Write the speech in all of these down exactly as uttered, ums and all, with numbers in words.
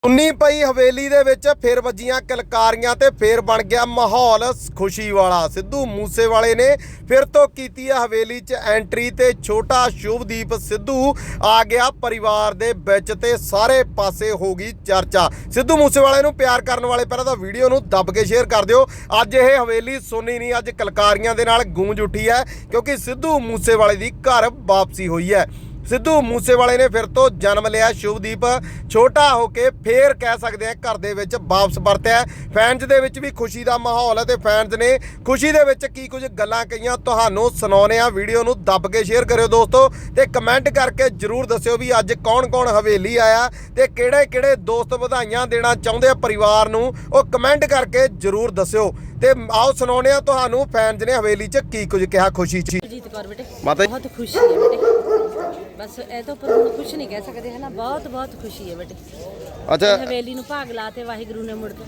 उन्नी पई हवेली दे विच फिर वजियां किलकारियां ते फिर बन गया माहौल खुशी वाला। सिद्धू मूसेवाले ने फिर तो कीती है हवेली च एंट्री ते छोटा शुभदीप सिद्धू आ गया परिवार दे विच ते सारे पासे हो गई चर्चा। सिद्धू मूसेवाले नूं प्यार करन वाले पहलां तां वीडियो नूं दब के शेयर कर दिओ। अज ये हवेली सुनी नहीं, अज किलकारियां दे नाल गूंज उठी है क्योंकि सिद्धू मूसेवाले दी घर वापसी हुई है। सिद्धू मूसेवाले ने फिर तो जन्म लिया। शुभदीप छोटा होके फिर कह सकते हैं घर दे विच वापस परतिया। फैनस दे विच भी खुशी का माहौल है तो फैनस ने खुशी दे विच की कुछ गल्लां कहियां तुहानूं सुणाउने आ। वीडियो नूं दब के शेयर करियो दोस्तों ते कमेंट करके जरूर दस्सिओ भी अज कौन कौन हवेली आया ते किहड़े किहड़े दोस्त वधाइयां देना चाहुंदे आ परिवार नूं, ओह कमेंट करके जरूर दस्सिओ। ते आओ सुणाउने आ तुहानूं फैनस ने हवेली च की कुछ कहा खुशी च। जीत कौर बेटे माता बहुत खुशी है बेटे, बस ए तो पर कुछ नहीं कह सकते है ना, बहुत बहुत खुशी है बेटे। अच्छा हवेली ਨੂੰ ਭਾਗ ਲਾਤੇ ਵਾਹਿਗੁਰੂ ਨੇ ਮੁੜ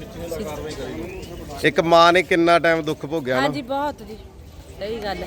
ਕੇ ਇੱਕ ਮਾਂ ਨੇ ਕਿੰਨਾ ਟਾਈਮ ਦੁੱਖ ਭੋਗਿਆ ਨਾ। ਹਾਂਜੀ ਬਹੁਤ ਜੀ, ਸਹੀ ਗੱਲ ਹੈ।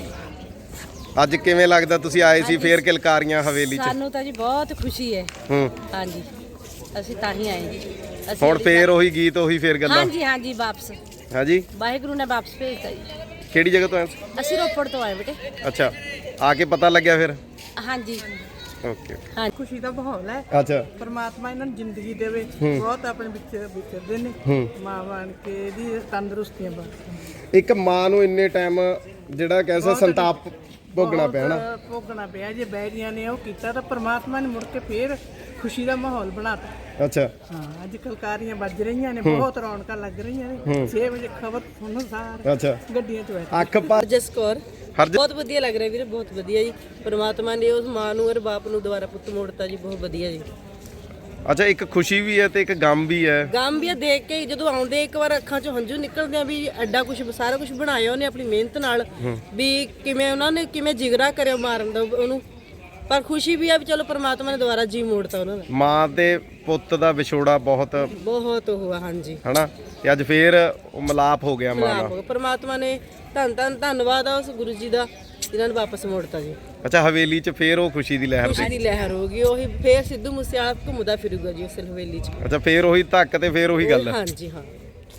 ਅੱਜ ਕਿਵੇਂ ਲੱਗਦਾ ਤੁਸੀਂ ਆਏ ਸੀ ਫੇਰ ਕਿਲਕਾਰੀਆਂ ਹਵੇਲੀ ਚ? ਸਾਨੂੰ ਤਾਂ ਜੀ ਬਹੁਤ ਖੁਸ਼ੀ ਹੈ। ਹੂੰ ਹਾਂਜੀ ਅਸੀਂ ਤਾਂ ਹੀ ਆਏ ਜੀ। ਅਸੀਂ ਹੁਣ ਫੇਰ ਉਹੀ ਗੀਤ ਉਹੀ ਫੇਰ ਗੱਲਾਂ? ਹਾਂਜੀ ਹਾਂਜੀ ਵਾਪਸ ਹਾਂਜੀ ਵਾਹਿਗੁਰੂ ਨੇ ਵਾਪਸ ਭੇਜਤਾ ਜੀ। ਕਿਹੜੀ ਜਗ੍ਹਾ ਤੋਂ ਆਏ? ਅਸੀਂ ਰੋਪੜ ਤੋਂ ਆਏ ਬੇਟੇ। ਅੱਛਾ ਆ ਕੇ ਪਤਾ ਲੱਗਿਆ ਫਿਰ? ਹਾਂਜੀ ਓਕੇ ਹਾਂ खुशी का माहौल है। ਅੱਛਾ परमात्मा इन्होंने जिंदगी देवे बहुत अपने विच विचरदे ने मां बन के दी तंदुरुस्तियां बख्शे। ਇੱਕ ਮਾਂ ਨੂੰ ਇੰਨੇ ਟਾਈਮ ਜਿਹੜਾ ਕਹਿੰਦਾ ਸੰਤਾਪ ਭੋਗਣਾ ਪਿਆ ਨਾ। भोगना पिया जे बैरियां ने ਉਹ ਕੀਤਾ ਤਾਂ परमात्मा ने मुड़ के फिर खुशी ਦਾ ਮਾਹੌਲ ਬਣਾਤਾ। ਅੱਛਾ ਹਾਂ ਅੱਜ ਕਲਕਾਰੀਆਂ ਵੱਜ ਰਹੀਆਂ ਨੇ, ਬਹੁਤ ਰੌਣਕਾਂ ਲੱਗ ਰਹੀਆਂ ਨੇ। ਛੇ ਵਜੇ ਖਬਰ ਸੁਣੋ ਸਾਰ ਅੱਛਾ ਗੱਡੀਆਂ ਚ ਬੈਠ ਅੱਖ ਪਾ ਹਰਜਸ ਕੌਰ ਹਰਜ ਬਹੁਤ ਵਧੀਆ ਲੱਗ ਰਿਹਾ ਵੀਰੇ, ਬਹੁਤ ਵਧੀਆ ਜੀ। ਪਰਮਾਤਮਾ ਨੇ ਉਸ ਮਾਂ ਨੂੰ ਔਰ ਬਾਪ ਨੂੰ ਦੁਬਾਰਾ ਪੁੱਤ ਮੋੜਤਾ ਜੀ, ਬਹੁਤ ਵਧੀਆ ਜੀ। ਅੱਛਾ ਇੱਕ ਖੁਸ਼ੀ ਵੀ ਹੈ ਤੇ ਇੱਕ ਗਮ ਵੀ ਹੈ। ਗਮ ਵੀ ਆ ਦੇਖ ਕੇ, ਜਦੋਂ ਆਉਂਦੇ ਇੱਕ ਵਾਰ ਅੱਖਾਂ 'ਚੋਂ ਹੰਝੂ ਨਿਕਲਦੇ ਆ ਵੀ ਐਡਾ ਕੁਝ ਸਾਰਾ ਕੁਝ ਬਣਾਇਆ ਉਹਨੇ ਆਪਣੀ ਮਿਹਨਤ ਨਾਲ, ਵੀ ਕਿਵੇਂ ਉਹਨਾਂ ਨੇ ਕਿਵੇਂ ਜਿਗਰਾ ਕਰਿਆ ਮਾਰਨ ਦਾ ਉਹਨੂੰ। ਪਰ ਖੁਸ਼ੀ ਵੀ ਆ ਵੀ ਚਲੋ ਪਰਮਾਤਮਾ ਨੇ ਦੁਬਾਰਾ ਜੀ ਮੋੜਤਾ ਉਹਨਾਂ ਦਾ। ਮਾਂ ਤੇ ਪੁੱਤ ਦਾ ਵਿਛੋੜਾ ਬਹੁਤ ਬਹੁਤ ਹੋਇਆ ਹਾਂਜੀ ਹਨਾ, ਤੇ ਅੱਜ ਫੇਰ ਉਹ ਮਿਲਾਪ ਹੋ ਗਿਆ ਮਾਂ ਨਾਲ। ਪਰਮਾਤਮਾ ਨੇ ਧੰਨ ਧੰਨ ਧੰਨਵਾਦ ਆ ਉਸ ਗੁਰੂ ਜੀ ਦਾ ਜਿਨ੍ਹਾਂ ਨੇ ਵਾਪਸ ਮੋੜਤਾ ਜੀ। ਅੱਛਾ ਹਵੇਲੀ 'ਚ ਫੇਰ ਉਹ ਖੁਸ਼ੀ ਦੀ ਲਹਿਰ ਖੁਸ਼ੀ ਸੀ। ਦੀ ਲਹਿਰ ਹੋ ਗਈ, ਉਹੀ ਫੇਰ ਸਿੱਧੂ ਮੂਸੇਵਾਲਾ ਘੁੰਮਦਾ ਫਿਰੂਗਾ ਜੀ ਉਸ ਹਵੇਲੀ 'ਚ। ਅੱਛਾ ਫੇਰ ਉਹੀ ਧੱਕ ਤੇ ਫੇਰ ਉਹੀ ਗੱਲ। ਹਾਂਜੀ ਹਾਂ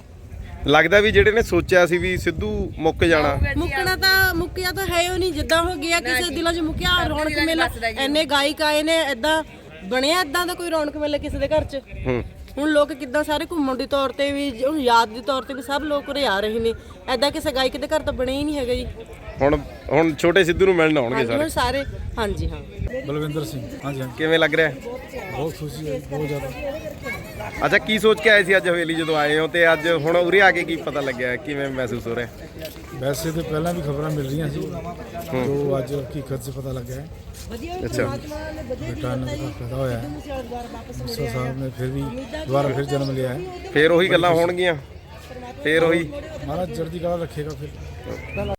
ਲੱਗਦਾ ਵੀ ਜਿਹੜੇ ਨੇ ਸੋਚਿਆ ਸੀ ਵੀ ਸਿੱਧੂ ਮੁੱਕ ਜਾਣਾ, ਮੁੱਕਣਾ ਤਾਂ ਮੁੱਕਿਆ ਤਾਂ ਹੈ ਉਹ ਨਹੀਂ, ਜਿੱਦਾਂ ਹੋ ਗਿਆ ਕਿਸੇ ਦਿਲਾਂ 'ਚ ਮੁੱਕਿਆ। ਰੌਣਕ ਮੇਲਾ ਇੰਨੇ ਗਾਇਕ ਆਏ ਨੇ, ਏਦਾਂ ਬਣਿਆ ਏਦਾਂ ਦਾ ਕੋਈ ਰੌਣਕ ਮੇਲਾ ਕਿਸੇ ਦੇ ਘਰ 'ਚ। ਹੂੰ ਹੁਣ ਲੋਕ ਕਿੱਦਾਂ ਸਾਰੇ ਘੁੰਮਣ ਦੇ ਤੌਰ ਤੇ ਵੀ, ਹੁਣ ਯਾਦ ਦੇ ਤੌਰ ਤੇ ਵੀ ਸਭ ਲੋਕ ਉਰੇ ਆ ਰਹੇ ਨੇ। ਏਦਾਂ ਕਿਸੇ ਗਾਇਕ ਦੇ ਘਰ ਤਾਂ ਬਣਿਆ ਹੀ ਨਹੀਂ ਹੈਗਾ ਜੀ। ਹੁਣ ਹੁਣ ਛੋਟੇ ਸਿੱਧੂ ਨੂੰ ਮਿਲਣ ਆਉਣਗੇ ਹਾਂਜੀ ਸਾਰੇ। ਹੁਣ ਸਾਰੇ ਹਾਂਜੀ ਹਾਂ। ਬਲਵਿੰਦਰ ਸਿੰਘ ਹਾਂਜੀ ਹਾਂਜੀ ਕਿਵੇਂ ਲੱਗ ਰਿਹਾ? ਬਹੁਤ ਖੁਸ਼ੀ ਹੈ, ਬਹੁਤ ਜ਼ਿਆਦਾ। ਅੱਛਾ ਕੀ ਸੋਚ ਕੇ ਆਏ ਸੀ ਅੱਜ ਹਵੇਲੀ ਜਦੋਂ ਆਏ ਹੋ, ਤੇ ਅੱਜ ਹੁਣ ਉਰੇ ਆ ਕੇ ਕੀ ਪਤਾ ਲੱਗਿਆ, ਕਿਵੇਂ ਮਹਿਸੂਸ ਹੋ ਰਿਹਾ? ਵੈਸੇ ਤਾਂ ਪਹਿਲਾਂ ਵੀ ਖਬਰਾਂ ਮਿਲ ਰਹੀਆਂ ਸੀ, ਜੋ ਅੱਜ ਹਕੀਕਤ 'ਚ ਪਤਾ ਲੱਗਿਆ ਹੈ। ਅੱਛਾ ਬੇਟਾ ਇਹਨਾਂ ਦਾ ਪੈਦਾ ਹੋਇਆ ਹੈ, ਮੂਸਾ ਸਾਹਿਬ ਨੇ ਫਿਰ ਵੀ ਦੁਬਾਰਾ ਫਿਰ ਜਨਮ ਲਿਆ ਹੈ। ਫੇਰ ਉਹੀ ਗੱਲਾਂ ਹੋਣਗੀਆਂ, ਫੇਰ ਉਹੀ ਮਹਾਰਾਜ ਚੜ੍ਹਦੀ ਕਲਾ ਰੱਖੇਗਾ ਫਿਰ।